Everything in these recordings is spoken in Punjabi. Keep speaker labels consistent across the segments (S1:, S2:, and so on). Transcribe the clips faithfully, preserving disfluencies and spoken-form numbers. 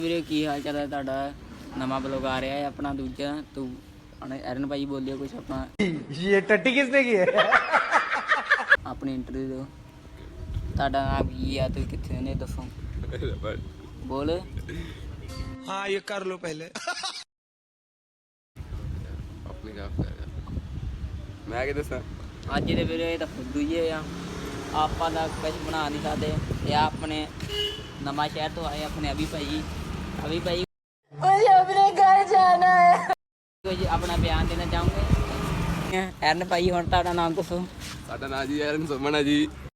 S1: ਵੀਰੇ ਕੀ ਹਾਲ ਚਾਲ ਹੈ ਤੁਹਾਡਾ। ਨਵਾਂ ਬਲੌਗ ਆ ਰਿਹਾ ਹੈ ਆਪਣਾ ਦੂਜਾ। ਤੂੰ ਐਰਨ ਭਾਈ ਬੋਲਿਓ ਕੁਛ ਆਪਣਾ।
S2: ਇਹ ਟੱਟੀ ਕਿਸਨੇ ਕੀ ਹੈ
S1: ਆਪਣੀ ਇੰਟਰਵਿਊ ਦਿਓ। ਤੁਹਾਡਾ ਨਾਮ ਕੀ ਆ, ਤੁਸੀਂ ਕਿੱਥੇ ਨੇ ਦੱਸੋ। बोल।
S3: हाँ ये कर लो पहले।
S4: अपनी क्या मैं क्या दसा
S1: ਅੱਜ ਦੇ ਵੀਰੇ ਤਾਂ ਫੁੱਦੂ ਹੀ ਆ, ਆਪਾਂ ਦਾ ਕੁਝ ਬਣਾ ਨਹੀਂ ਸਕਦੇ। ਇਹ ਆਪਣੇ ਨਵਾਂ ਸ਼ਹਿਰ ਤੋਂ ਆਏ ਆਪਣੇ ਅਭੀ ਭਾਈ। ਅਭੀ ਭਾਈ मुझे अपने घर जाना है। ਕੁਝ ਆਪਣਾ ਬਿਆਨ ਦੇਣਾ ਚਾਹੋਗੇ। ਐਰਨ ਭਾਈ ਹੁਣ ਤੁਹਾਡਾ ਨਾਮ ਦੱਸੋ।
S4: साडा नाम जी एरन सुमन है जी।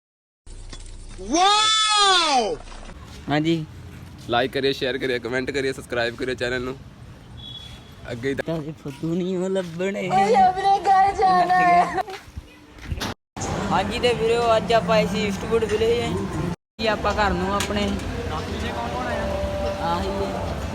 S3: वाओ
S1: हाँ जी
S4: लाइक करिए, शेयर करिए, कमेंट करिए, सब्सक्राइब करिए चैनल नु। अगे ही
S1: ਫੁੱਦੂ ਨਹੀਂ ਹੋ ਲੱਭਣੇ। मुझे अपने घर जाना है। ਹਾਂਜੀ ਤੇ ਵੀਰੇ ਅੱਜ ਆਪਾਂ ਆਏ ਸੀ ਈਸਟਵੁੱਡ ਵਿਲੇਜ ਜੀ। ਆਪਾਂ ਘਰ ਨੂੰ ਆਪਣੇ ਆਹੀ ਹੈ।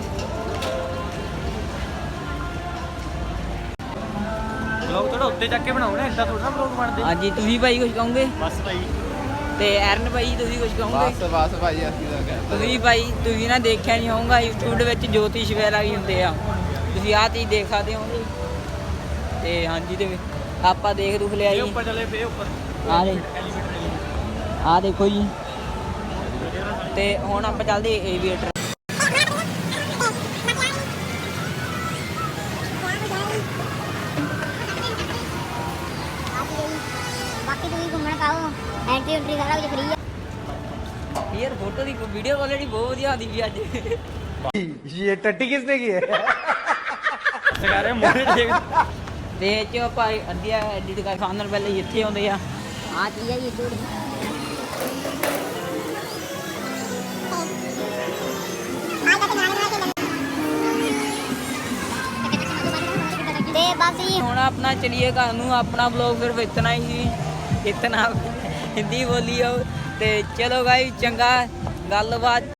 S2: ਲੋਕ ਥੋੜਾ ਉੱਤੇ ਚੱਕ ਕੇ ਬਣਾਉਣਾ, ਇਦਾਂ ਥੋੜਾ ਨਾ ਬਲੌਗ ਬਣਦੇ।
S1: ਹਾਂਜੀ ਤੁਸੀਂ ਭਾਈ ਕੁਝ ਕਹੋਗੇ।
S2: ਬਸ ਭਾਈ
S1: ਤੇ ਐਰਨ ਭਾਈ ਤੁਸੀਂ ਕੁਝ ਕਹੋਗੇ।
S4: बस बस भाई असली दा कहता
S1: ਤੁਸੀਂ ਭਾਈ ਤੁਸੀਂ ਨਾ ਦੇਖਿਆ ਨਹੀਂ ਹੋਊਗਾ ਈਸਟਵੁੱਡ ਵਿੱਚ ਜੋਤਿਸ਼ ਵਗੈਰਾ ਵੀ ਹੁੰਦੇ ਆ। ਤੁਸੀਂ ਆਹ ਚੀਜ਼ ਦੇਖ ਸਕਦੇ ਹੋ। ਤੇ ਹਾਂਜੀ ਤੇ ਆਪਾਂ ਦੇਖ ਦੁਖ ਲਿਆ ਜੀ।
S2: ਉੱਪਰ ਚਲੇ ਪਏ ਉੱਪਰ
S1: ਆ ਦੇ ਆ ਦੇਖੋ ਜੀ। ਤੇ ਹੁਣ ਆਪਾਂ ਚੱਲਦੇ ਏਵੀਏਟਰ।
S5: ਬਾਕੀ ਤੁਸੀਂ ਘੁੰਮਣ ਖਾਓ, ਐਂਟਰੀ ਐਂਟਰੀ ਸਾਰਾ ਕੁਝ ਫ੍ਰੀ ਹੈ।
S1: ਯਾਰ ਫੋਟੋ ਦੀ ਵੀਡੀਓ ਕੁਆਲਿਟੀ ਬਹੁਤ ਵਧੀਆ ਆਉਂਦੀ ਵੀ ਅੱਜ।
S2: ਇਹ ਟੱਟੀ ਕਿਸਨੇ ਕੀ ਹੈ ਸਗਾਰੇ ਮੋਰੇ ਦੇਖ।
S1: ਤੇ ਇਹ 'ਚ ਆਪਾਂ ਅੱਧੀ ਐਡਿਟ ਕਰ ਖਾਣ ਨਾਲ ਪਹਿਲੇ ਇੱਥੇ ਆਉਂਦੇ ਆ।
S5: ਆ ਚੀਜ਼ ਹੈ ਜੀ ਦੂਰ ਤੇ ਬਸ ਜੀ
S1: ਹੁਣ ਆਪਣਾ ਚਲੀਏ ਘਰ ਨੂੰ। ਆਪਣਾ ਬਲੌਗ ਸਿਰਫ ਇਤਨਾ ਹੀ ਸੀ। ਇਤਨਾ ਹਿੰਦੀ ਬੋਲੀ ਹੋ। ਤੇ ਚਲੋ ਗਾਈ ਚੰਗਾ ਗੱਲਬਾਤ।